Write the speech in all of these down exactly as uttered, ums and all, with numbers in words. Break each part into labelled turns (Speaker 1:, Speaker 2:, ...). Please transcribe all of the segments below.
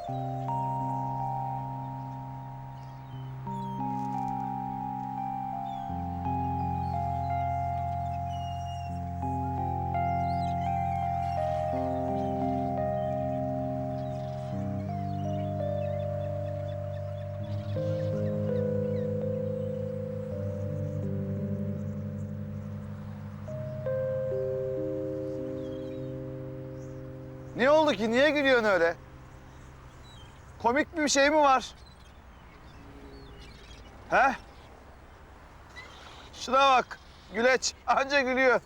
Speaker 1: Ne oldu ki? Niye gülüyorsun öyle? Komik bir şey mi var? He? Şuna bak. Güleç anca gülüyor.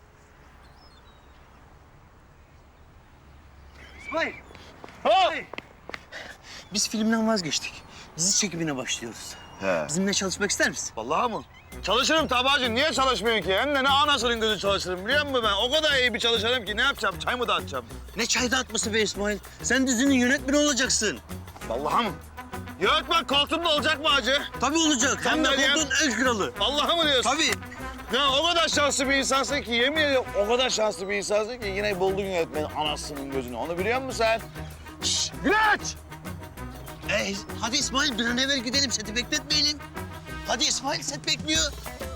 Speaker 2: İsmail.
Speaker 1: Hop!
Speaker 2: Biz filmden vazgeçtik. Dizi çekimine başlıyoruz.
Speaker 1: He.
Speaker 2: Bizimle çalışmak ister misin?
Speaker 1: Vallahi mı? Çalışırım tabacım. Niye çalışmıyorum ki? Hem de ne anasının gözü çalışırım biliyor musun ben? O kadar iyi bir çalışırım ki ne yapacağım? Çay mı dağıtacağım?
Speaker 2: Ne çay dağıtması be İsmail? Sen dizinin yönetmeni olacaksın.
Speaker 1: Vallahi mı? Yönetmen koltuğumda olacak mı hacı?
Speaker 2: Tabii olacak. Hem de
Speaker 1: Sandalyem-
Speaker 2: koltuğun el kralı.
Speaker 1: Vallahi mı diyorsun?
Speaker 2: Tabii.
Speaker 1: Ya o kadar şanslı bir insansın ki yemin ediyorum o kadar şanslı bir insansın ki yine buldun yönetmenin anasının gözünü. Onu biliyor musun sen? Şşş! Güleç!
Speaker 2: Ee, hadi İsmail bir an evvel gidelim. Seti bekletmeyelim. Hadi İsmail set bekliyor.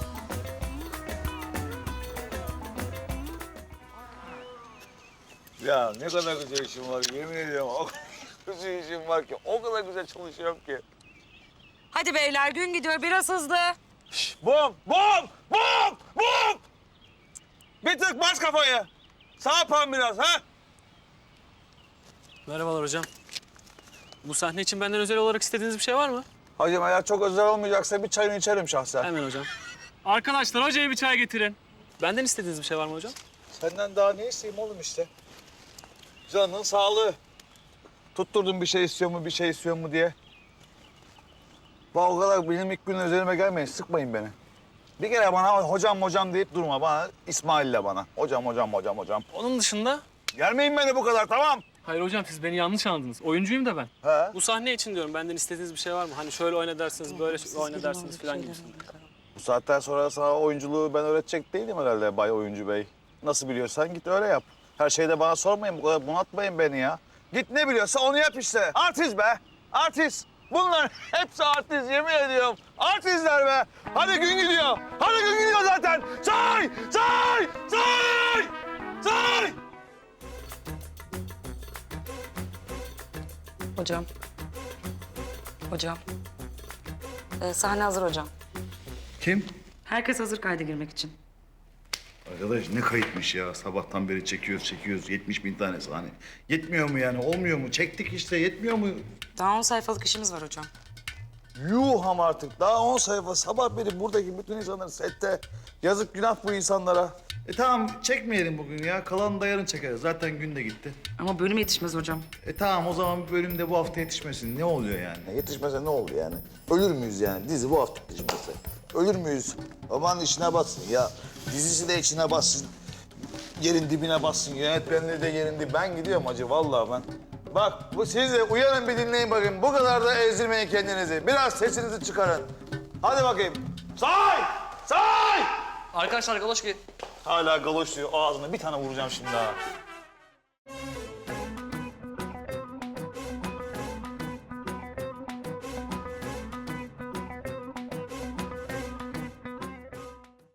Speaker 1: Ya ne kadar güzel işim var yemin ediyorum. O kadar güzel işim var ki o kadar güzel çalışıyorum ki.
Speaker 3: Hadi beyler gün gidiyor biraz hızlı.
Speaker 1: Şşş! Bum! Bum! Bum! Bum! Bir tık bas kafayı. Sağ yapan biraz ha?
Speaker 4: Merhabalar hocam. Bu sahne için benden özel olarak istediğiniz bir şey var mı?
Speaker 1: Hacım eğer çok özel olmayacaksa bir çayını içerim şahsen.
Speaker 4: Hemen hocam. Arkadaşlar hocaya bir çay getirin. Benden istediğiniz bir şey var mı hocam?
Speaker 1: Senden daha ne isteyeyim oğlum işte? Canının sağlığı. Tutturdun bir şey istiyor mu, bir şey istiyor mu diye. Bak o kadar benim ilk gün üzerime gelmeyin, sıkmayın beni. Bir kere bana hocam hocam deyip durma bana, İsmail'le bana. Hocam hocam hocam hocam.
Speaker 4: Onun dışında...
Speaker 1: Gelmeyin beni bu kadar tamam.
Speaker 4: Hayır hocam siz beni yanlış anladınız. Oyuncuyum da ben.
Speaker 1: He?
Speaker 4: Bu sahne için diyorum benden istediğiniz bir şey var mı? Hani şöyle oyna dersiniz, böyle oyna dersiniz falan gibisinden.
Speaker 1: Bu saatten sonra sana oyunculuğu ben öğretecek değilim herhalde Bay Oyuncu Bey. Nasıl biliyorsan git öyle yap. Her şeyde bana sormayın, bu kadar bunaltmayın beni ya. Git ne biliyorsa onu yap işte. Artist be, artist. Bunlar hepsi artist yemin ediyorum. Artistler be. Hadi gün gidiyor. Hadi gün gidiyor zaten. Say, say, say, say.
Speaker 3: Hocam. Hocam. Ee, sahne hazır hocam.
Speaker 1: Kim?
Speaker 3: Herkes hazır kayda girmek için.
Speaker 1: Arkadaş ne kayıtmış ya. Sabahtan beri çekiyoruz, çekiyoruz. yetmiş bin tane sahne. Yetmiyor mu yani? Olmuyor mu? Çektik işte. Yetmiyor mu?
Speaker 3: Daha on sayfalık işimiz var hocam.
Speaker 1: Yuh ama artık. Daha on sayfa. Sabah beri buradaki bütün insanlar sette. Yazık günah bu insanlara. E tamam çekmeyelim bugün ya. Kalanını da yarın çekeriz. Zaten gün de gitti.
Speaker 3: Ama bölüm yetişmez hocam.
Speaker 1: E tamam o zaman bir bölüm de bu hafta yetişmesin. Ne oluyor yani? Yetişmese ne oldu yani? Ölür müyüz yani? Dizi bu hafta yetişmese. Ölür müyüz? Aman içine bassın ya. Dizisi de içine bassın. Yerin dibine bassın. Yönetmenliği de yerin dibine. Ben gidiyorum hacı vallahi ben. Bak bu siz de uyanın bir dinleyin bakayım. Bu kadar da ezdirmeyin kendinizi. Biraz sesinizi çıkarın. Hadi bakayım. Say! Say!
Speaker 4: Arkadaşlar galoş ki.
Speaker 1: Hala galoş diyor ağzına. Bir tane vuracağım şimdi ha.